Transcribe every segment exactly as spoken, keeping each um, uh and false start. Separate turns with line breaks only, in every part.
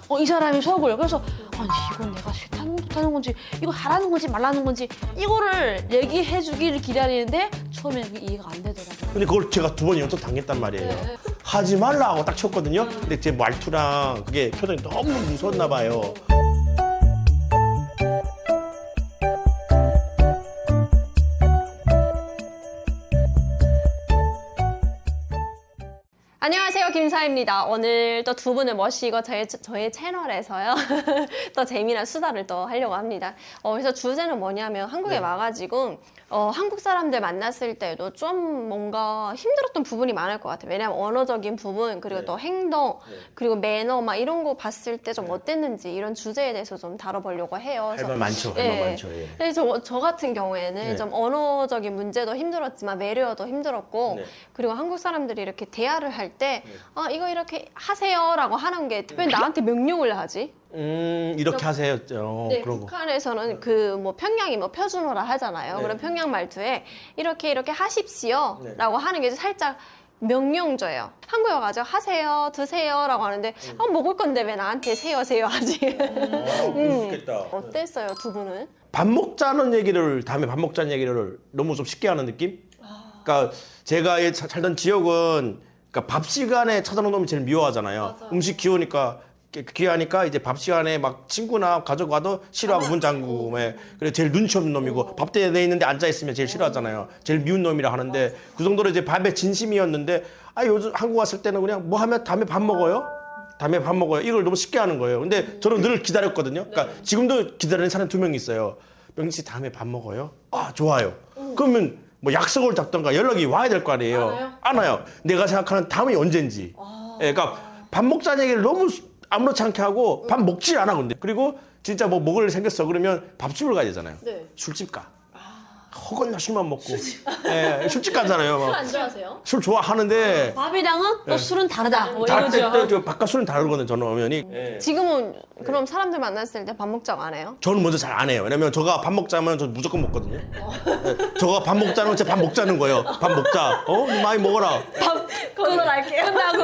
어, 이 사람이 속을. 그래서 아니 이건 내가 싫다는 못하는 건지 이거 하라는 건지 말라는 건지 이거를 얘기해 주기를 기다리는데 처음에 그게 이해가 안 되더라고요.
근데 그걸 제가 두 번 연속 당했단 말이에요.
네.
하지 말라 하고 딱 쳤거든요. 근데 제 말투랑 그게 표정이 너무 무서웠나 봐요.
안녕하세요, 김사입니다. 오늘 또 두 분을 모시고 저희, 저희 채널에서요 또 재미난 수다를 또 하려고 합니다. 어, 그래서 주제는 뭐냐면 한국에
네.
와가지고 어, 한국 사람들 만났을 때도 좀 뭔가 힘들었던 부분이 많을 것 같아요. 왜냐면 언어적인 부분, 그리고
네.
또 행동,
네.
그리고 매너 막 이런 거 봤을 때 좀 어땠는지 이런 주제에 대해서 좀 다뤄보려고 해요.
할 말 많죠. 할 말
예.
많죠. 예.
그래서 저, 저 같은 경우에는
네.
좀 언어적인 문제도 힘들었지만 매료도 힘들었고
네.
그리고 한국 사람들이 이렇게 대화를 할 때
네.
아, 이거 이렇게 하세요라고 하는 게 왜 나한테 명령을 하지?
음 이렇게 하세요. 어,
네,
그런 거.
북한에서는 그 뭐 평양이 뭐 표준어라 하잖아요.
네.
그럼 평양 말투에 이렇게 이렇게 하십시오
네.
라고 하는 게 살짝 명령조예요. 한국에 와가지고 하세요, 드세요 라고 하는데 아, 먹을 건데 왜 나한테 세요, 세요 하지?
어, 그렇겠다.
어땠어요, 두 분은?
밥 먹자는 얘기를 다음에 밥 먹자는 얘기를 너무 좀 쉽게 하는 느낌? 그러니까 제가 이 사- 살던 지역은 그러니까 밥 시간에 찾아오는 놈이 제일 미워하잖아요. 음식 귀우니까 귀하니까 이제 밥 시간에 막 친구나 가족 와도 싫어하고 문 잠그고 그래 제일 눈치 없는 놈이고 밥대에 내 있는데 앉아 있으면 제일 싫어하잖아요. 제일 미운 놈이라 하는데 그 정도로 이제 밥에 진심이었는데 아 요즘 한국 왔을 때는 그냥 뭐 하면 다음에 밥 먹어요? 다음에 밥 먹어요. 이걸 너무 쉽게 하는 거예요. 근데 저는 늘 기다렸거든요. 그러니까 지금도 기다리는 사람 두 명 있어요. 명진 씨 다음에 밥 먹어요? 아 좋아요. 그러면 뭐 약속을 잡던가 연락이 와야 될 거 아니에요.
안 와요?
안 와요. 내가 생각하는 다음이 언젠지. 예, 그러니까 밥 먹자는 얘기를 너무 수- 아무렇지 않게 하고 밥 먹지 않아 근데. 그리고 진짜 뭐 먹을 일 생겼어 그러면 밥집을 가야 되잖아요.
네.
술집 가. 허건 술만 먹고. 예, 술집 가잖아요. 막.
안 좋아하세요?
술 좋아하는데
밥이랑은 또 술은 다르다. 뭐
다를
이거죠.
때, 때 바깥 술은 다르거든요. 저는 오면이.
지금은 그럼 사람들 만났을 때 밥 먹자고 안 해요?
저는 먼저 잘 안 해요. 왜냐면 저가 밥 먹자면 저 무조건 먹거든요. 네, 저가 밥 먹자는 건 제가 밥 먹자는 거예요. 밥 먹자. 어? 많이 먹어라.
밥 거기서 갈게요. 끝나고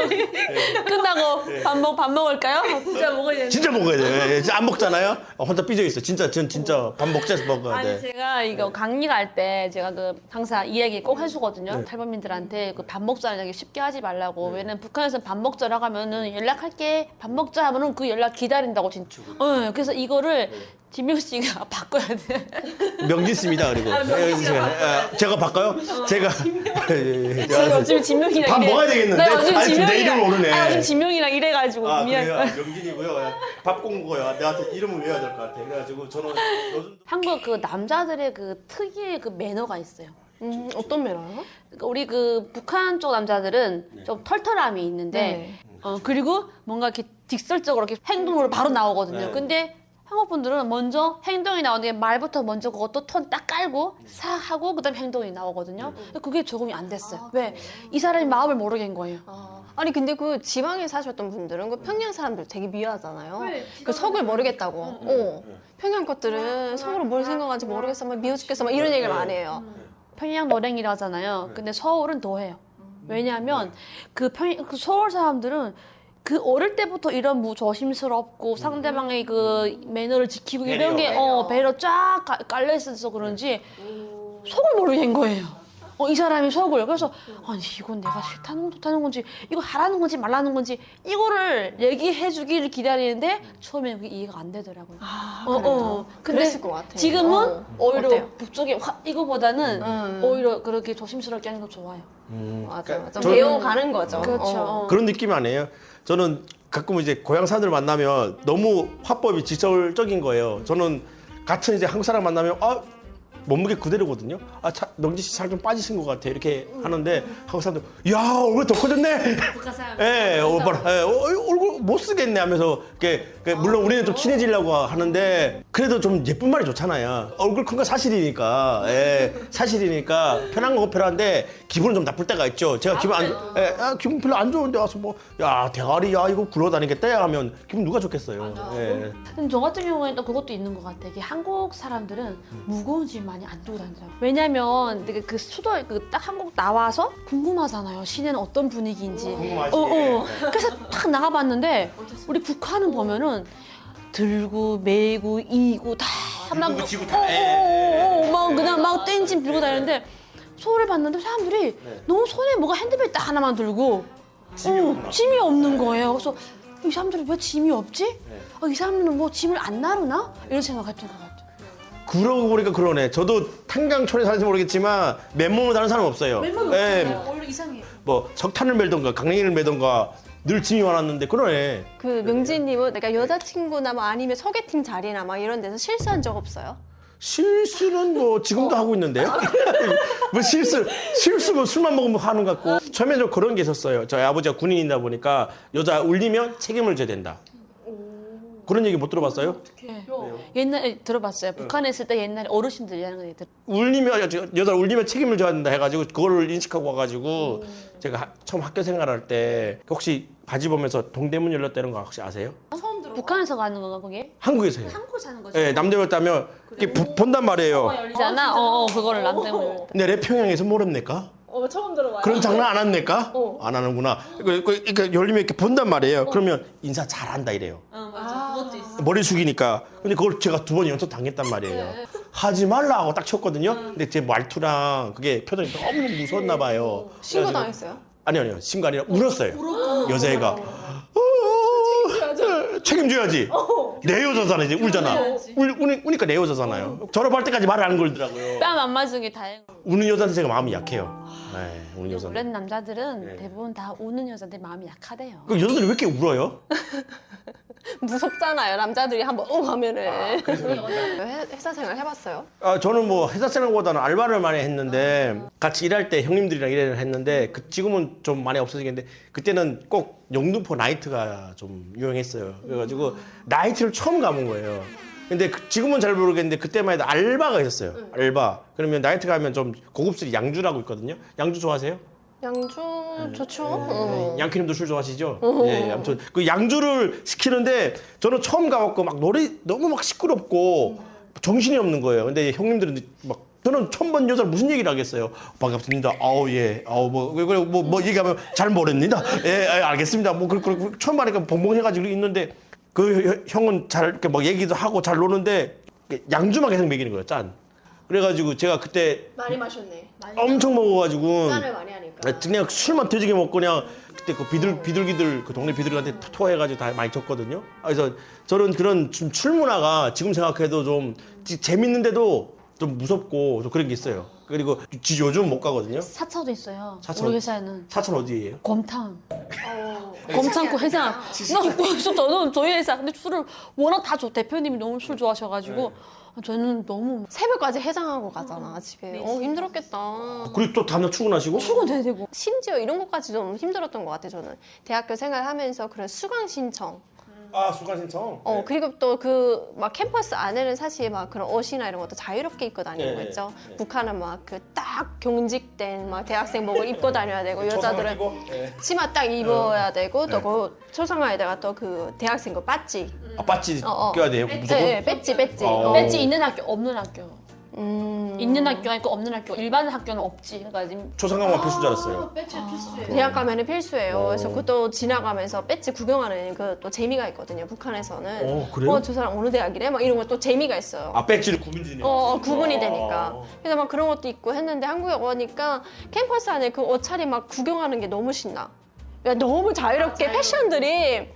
끝나고 밥 먹 밥 먹을까요? 진짜 먹어야 되는데.
진짜 먹어야 돼요. 예, 진짜 안 먹잖아요. 어, 혼자 삐져 있어. 진짜 전 진짜 밥 먹자 해서 먹어야
아니
돼.
제가 이거 강의 갈 때 제가 그 항상 이 얘기 꼭 해주거든요. 탈북민들한테 그 밥 먹자는 얘기 쉽게 하지 말라고. 왜냐면 북한에서 밥 먹자라고 하면은 연락할게 밥 먹자 하면은 그 연락 기다린다고 진짜. 어, 그래서 이거를 진명 씨가 바꿔야 돼.
명진씨입니다. 그리고 예, 제가, 예, 제가 바꿔요? 제가 예, 예,
제가 요즘 진명이랑
밥
이래.
먹어야 되겠는데?
나 요즘
아니, 지금 내 이름을
진명이랑
모르네.
아, 요즘 진명이랑 이래가지고
아
미안.
그래요? 명진이고요. 밥 꼭 먹어요. 내한테 이름을 외워야 될 것 같아. 그래가지고 저는 요즘
한국 그 남자들의 그 특유의 그 매너가 있어요.
음, 어떤 매너요?
그러니까 우리 그 북한 쪽 남자들은 좀 털털함이 있는데
네.
어 그리고 뭔가 이렇게 직설적으로 이렇게 행동으로 바로 나오거든요.
네.
근데 한국 분들은 먼저 행동이 나오는데 말부터 먼저 그것도 톤 딱 깔고 싹 하고 그다음 에 행동이 나오거든요. 근데 그게 적응이 안 됐어요. 왜? 이 사람이 마음을 모르겠는 거예요.
아, 아니 근데 그 지방에 사셨던 분들은 그 평양 사람들 되게 미워하잖아요. 그 속을 모르겠다고. 어. 평양 것들은 속으로 뭘 생각하는지 모르겠어. 막 미워 죽겠어. 막 이런 얘기를 많이 해요.
평양 노랭이라 하잖아요. 근데 서울은 더 해요. 왜냐하면 그, 평, 그 서울 사람들은 그 어릴 때부터 이런 무 조심스럽고 상대방의 그 매너를 지키고 이런 게
배려.
어, 배려 쫙 가- 깔려 있어서 그런지 속을 모르겠는 거예요. 어, 이 사람이 속을. 그래서 아니 이건 내가 싫다는 못하는 건지 이거 하라는 건지 말라는 건지 이거를 얘기해 주기를 기다리는데 처음에는 그게 이해가 안 되더라고요.
아,
어,
그래도.
어. 근데
그랬을 것 같아요.
지금은
어.
오히려
어때요?
북쪽에 화, 이거보다는
음.
오히려 그렇게 조심스럽게 하는 거 좋아요.
맞아, 맞아.
저는-
배워가는 거죠.
그렇죠.
어.
그런 느낌이 아니에요. 저는 가끔 이제 고향 사람들 만나면 너무 화법이 직설적인 거예요. 저는 같은 이제 한국 사람 만나면 아 몸무게 그대로거든요. 아, 차, 명진 씨 살 좀 빠지신 것 같아 이렇게 하는데 한국 사람들 야 얼굴 더 커졌네.
북한 사람.
예, 어, 뭐라, 예, 어, 얼굴 못 쓰겠네 하면서 이렇게 그 물론 우리는 좀 친해지려고 하는데 그래도 좀 예쁜 말이 좋잖아요. 얼굴 큰 거 사실이니까, 예, 사실이니까 편한 건 편한데 기분은 좀 나쁠 때가 있죠. 제가 기분 안, 예, 아, 기분 별로 안 좋은데 와서 뭐, 야 대가리, 야 이거 굴러다니겠다 하면 기분 누가 좋겠어요. 예.
근데 저 같은 경우에는 또 그것도 있는 것 같아. 이게 한국 사람들은 무거운 짐 많이 많이 안 두고 다니더라고요. 왜냐면 되게 그 수도 그 딱 한국 나와서 궁금하잖아요. 시내는 어떤 분위기인지.
궁금하지.
어, 어. 그래서 딱 나가봤는데 우리 북한은 보면은 들고 메고 이고 다막
들고 지고 다.
어, 어, 어, 어, 막 그냥 막 땡짐 들고 다니는데 서울에 봤는데 사람들이
네.
너무 손에 뭐가 핸드백 딱 하나만 들고
짐이
어,
없나?
짐이 없는 거예요. 그래서 이 사람들이 왜 짐이 없지?
네.
어, 이 사람들은 뭐 짐을 안 나르나? 이런 생각했던 것 같아요.
그러고 보니까 그러네. 저도 탄강촌에 사는지 모르겠지만 맨몸으로 다는 사람 없어요. 예,
원래 이상해요.
뭐 석탄을 매던가 강냉이를 매던가 늘 짐이 많았는데 그러네.
그 명진님은 내가 여자친구나 뭐 아니면 소개팅 자리나 막 이런 데서 실수한 적 없어요?
실수는 뭐 지금도 하고 있는데요. 뭐 실수 실수면 술만 먹으면 하는 것 같고. 처음에 좀 그런 게 있었어요. 저희 아버지가 군인이다 보니까 여자 울리면 책임을 져야 된다. 그런 얘기 못 들어봤어요?
네. 옛날에 들어봤어요. 북한에 있을 때 옛날에 어르신들이 하는 거 들.
울리면 여- 여자 울리면 책임을 져야 된다 해가지고 그거를 인식하고 와가지고 제가 하- 처음 학교 생활할 때 혹시 바지 보면서 동대문 열렸다는 거 혹시 아세요?
북한에서 가는 건가 그게?
한국에서 해요.
한국 사는 거지.
예, 남대문였다면 이렇게 보- 본단 말이에요.
열리잖아. 어, 어 그거를 남대문.
근데 래평양에서 모릅니까?
어, 처음 들어봐요.
그런 장난 안 합니까? 안 하는구나. 그- 그- 그러니까 열리면 이렇게 본단 말이에요. 그러면 인사 잘한다 이래요.
어 맞아. 그것도 있어.
머리 숙이니까. 근데 그걸 제가 두 번 연속 당했단 말이에요. 하지 말라 하고 딱 쳤거든요. 근데 제 말투랑 그게 표정이 너무 무서웠나 봐요.
신고
그래가지고-
당했어요?
아니요, 아니요. 신고 아니라 울었어요. 여자애가. 어, 책임져야지. 내 여자잖아, 이제 울잖아. 울, 우니, 우니까 내 여자잖아요. 졸업할 때까지 말을 안 걸더라고요.
뺨 안 맞은 게 다행.
우는 여자한테 제가 마음이 약해요. 네, 우는
원래
여자는.
남자들은
네.
대부분 다 우는 여자들 마음이 약하대요.
그 여자들이 왜 이렇게 울어요?
무섭잖아요. 남자들이 한번 어 하면은. 회- 회사 생활 해봤어요?
아, 저는 뭐 회사 생활보다는 알바를 많이 했는데 같이 일할 때 형님들이랑 일을 했는데 그 지금은 좀 많이 없어지겠는데 그때는 꼭 영등포 나이트가 좀 유행했어요. 그래가지고 나이트를 처음 가본 거예요. 근데 그- 지금은 잘 모르겠는데 그때만 해도 알바가 있었어요. 알바. 그러면 나이트 가면 좀 고급스리 양주라고 있거든요. 양주 좋아하세요?
양주 좋죠. 어.
양키님도 술 좋아하시죠? 예, 아무튼 그 양주를 시키는데 저는 처음 가갖고 막 노래 너무 막 시끄럽고 정신이 없는 거예요. 근데 형님들은 막 저는 처음 본 여자를 무슨 얘기를 하겠어요? 반갑습니다. 아우 예, 아우 뭐뭐뭐 뭐, 뭐 얘기하면 잘 모릅니다. 예, 예, 알겠습니다. 뭐 그, 그, 그 처음 하니까 벙벙해가지고 있는데 그 형은 잘 이렇게 막 얘기도 하고 잘 노는데 양주만 계속 먹이는 거예요. 짠. 그래가지고 제가 그때
많이 마셨네.
엄청 먹어가지고
짠을 많이 하니까.
그냥 술만 터지게 먹고 그냥 그때 그 비둘 비둘기들 그 동네 비둘기한테 토해가지고 다 많이 줬거든요. 그래서 저는 그런 좀 출문화가 지금 생각해도 좀 지- 재밌는데도 좀 무섭고 좀 그런 게 있어요. 그리고 지 요즘 못 가거든요.
사차도 있어요.
사차.
우리 회사에는
사천 어디예요?
곰탕.
어.
곰탕고 회장. 나 그래서 저는 저희 회사 근데 술을 워낙 다 줘. 대표님이 너무 술 좋아하셔가지고 저는 너무
새벽까지 해장하고 가잖아 집에. 어 힘들었겠다.
그리고 또 다음날 출근하시고?
출근돼야 되고.
심지어 이런 것까지 좀 힘들었던 것 같아 저는. 대학교 생활하면서 그런 수강 신청.
아 수강 신청.
어 그리고 또 그 막 캠퍼스 안에는 사실 막 그런 옷이나 이런 것도 자유롭게 입고 다니는 거
네,
있죠.
네.
북한은 막 그 딱 경직된 막 대학생복을 입고 다녀야 되고 여자들은 치마 딱 입어야 되고 또
네.
그 초상화에다가 또 그 대학생복 배지.
아 빠지
어, 어.
껴야 돼요 무조건?
네, 배지 배지.
어.
어.
배지 있는 학교 없는 학교.
음.
있는 학교가 있고 없는 학교. 일반 학교는 없지. 그러니까 지금
초상강만 필수인 줄 알았어요.
배지 필수예요.
대학 가면은 필수예요.
어.
그래서 그것도 지나가면서 배지 구경하는 그 또 재미가 있거든요. 북한에서는.
어, 그래요?
어, 저 사람 어느 대학이래? 막 이런 것도 재미가 있어요.
아 배지를 구분지네요.
어, 어, 구분이 되니까.
어.
그래서 막 그런 것도 있고 했는데 한국에 오니까 캠퍼스 안에 그 옷차림 막 구경하는 게 너무 신나. 그러니까 너무 자유롭게 패션들이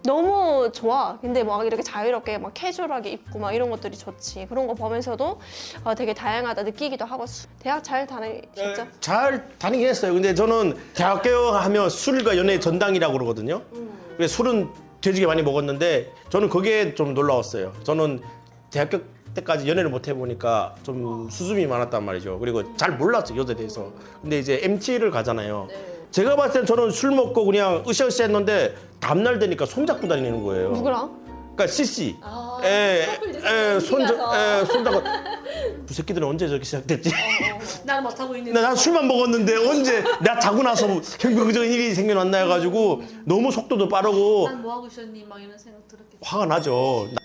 너무 좋아. 근데 막 이렇게 자유롭게 막 캐주얼하게 입고 막 이런 것들이 좋지. 그런 거 보면서도 어, 되게 다양하다 느끼기도 하고 수- 대학 잘 다니셨죠?
잘 다니긴 했어요. 근데 저는 대학교 하면 술과 연애의 전당이라고 그러거든요. 그래서 술은 되게 많이 먹었는데 저는 그게 좀 놀라웠어요. 저는 대학교 때까지 연애를 못 해보니까 좀 수줍음이 많았단 말이죠. 그리고 잘 몰랐어요, 여자에 대해서. 근데 이제 엠티를 가잖아요. 제가 봤을 땐 저는 술 먹고 그냥 으쌰으쌰 했는데 다음날 되니까 손잡고 다니는 거예요.
누구랑?
그러니까 씨씨. 에, 에, 손잡, 에, 손잡고. 그 새끼들은 언제 저렇게 시작됐지?
나는 못하고 있는데.
난 술만 먹었는데 언제 내가 자고 나서 경비적인 일이 생겨났나 해가지고 너무 속도도 빠르고
난 뭐 하고 있었니? 막 이런 생각 들었겠지.
화가 나죠.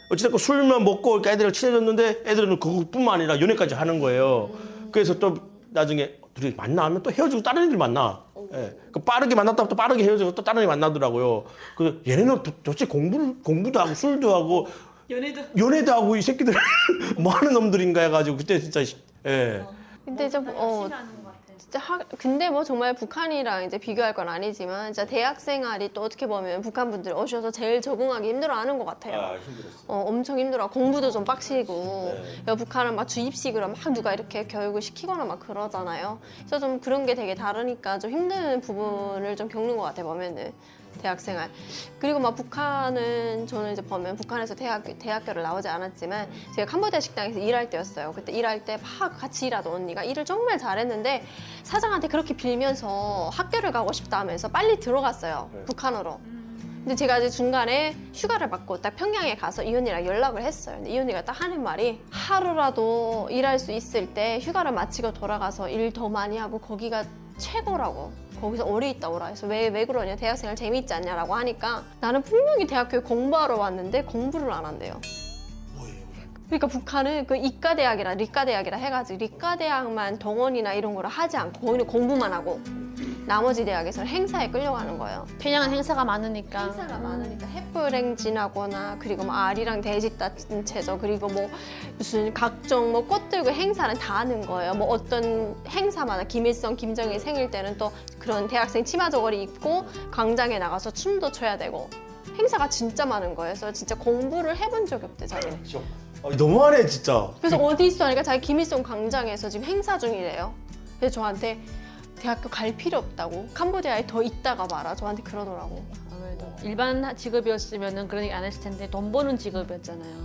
어찌됐건 술만 먹고 애들이랑 친해졌는데 애들은 그것뿐만 아니라 연애까지 하는 거예요. 그래서 또 나중에 둘이 만나면 또 헤어지고 다른 애들 만나. 예. 그 빠르게 만났다가 또 빠르게 헤어지고 또 다른 애 만나더라고요. 그 얘네는 도, 도대체 공부를 공부도 하고 술도 하고
연애도
연애도 하고 이 새끼들 뭐 하는 놈들인가 해가지고 그때 진짜 예.
근데 이제 어 진짜 하, 근데 뭐 정말 북한이랑 이제 비교할 건 아니지만 진짜 대학 생활이 또 어떻게 보면 북한 분들 오셔서 제일 적응하기 힘들어하는 것 같아요.
힘들었어.
어, 엄청 힘들어. 공부도 좀 빡시고.
네.
여 북한은 막 주입식으로 막 누가 이렇게 교육을 시키거나 막 그러잖아요. 그래서 좀 그런 게 되게 다르니까 좀 힘든 부분을 좀 겪는 것 같아요, 보면은. 대학생활. 그리고 막 북한은 저는 이제 보면 북한에서 대학교, 대학교를 나오지 않았지만 제가 캄보디아 식당에서 일할 때였어요. 그때 일할 때 막 같이 일하던 언니가 일을 정말 잘했는데 사장한테 그렇게 빌면서 학교를 가고 싶다 하면서 빨리 들어갔어요.
네.
북한으로. 근데 제가 이제 중간에 휴가를 받고 딱 평양에 가서 이 언니랑 연락을 했어요. 근데 이 언니가 딱 하는 말이 하루라도 일할 수 있을 때 휴가를 마치고 돌아가서 일 더 많이 하고 거기가 최고라고. 거기서 오래 있다 오라 해서 왜, 왜 그러냐 대학생활 재미있지 않냐라고 하니까 나는 분명히 대학교에 공부하러 왔는데 공부를 안 한대요. 그러니까 북한은 그 이과대학이라 리과대학이라 해가지고 리과대학만 동원이나 이런 거를 하지 않고 거기는 공부만 하고 나머지 대학에서는 행사에 끌려가는 거예요.
평양은 행사가 많으니까.
행사가 많으니까 횃불 행진하거나 그리고 뭐 아리랑 돼지 단체죠. 그리고 뭐 무슨 각종 뭐 꽃 들고 행사는 다 하는 거예요. 뭐 어떤 행사마다 김일성, 김정일 생일 때는 또 그런 대학생 치마 저고리 입고 광장에 나가서 춤도 춰야 되고 행사가 진짜 많은 거예요. 그래서 진짜 공부를 해본 적이 없대 자기는.
아, 너무하네 진짜.
그래서 어디 있어 하니까 자기 김일성 광장에서 지금 행사 중이래요. 그래서 저한테 대학교 갈 필요 없다고 캄보디아에 더 있다가 말아 저한테 그러더라고.
아무래도 일반 직업이었으면은 그런 얘기 안 했을 텐데 돈 버는 직업이었잖아요.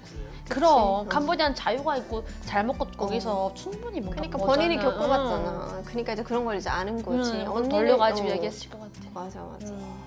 그럼 캄보디아는 자유가 있고 잘 먹고 거기서 충분히 뭔가
그러니까
거잖아.
본인이 겪어봤잖아. 그러니까 이제 그런 걸 이제 아는 거지.
응,
언니는-
돌려가지고
어.
얘기했을 것 같아.
맞아 맞아.
음.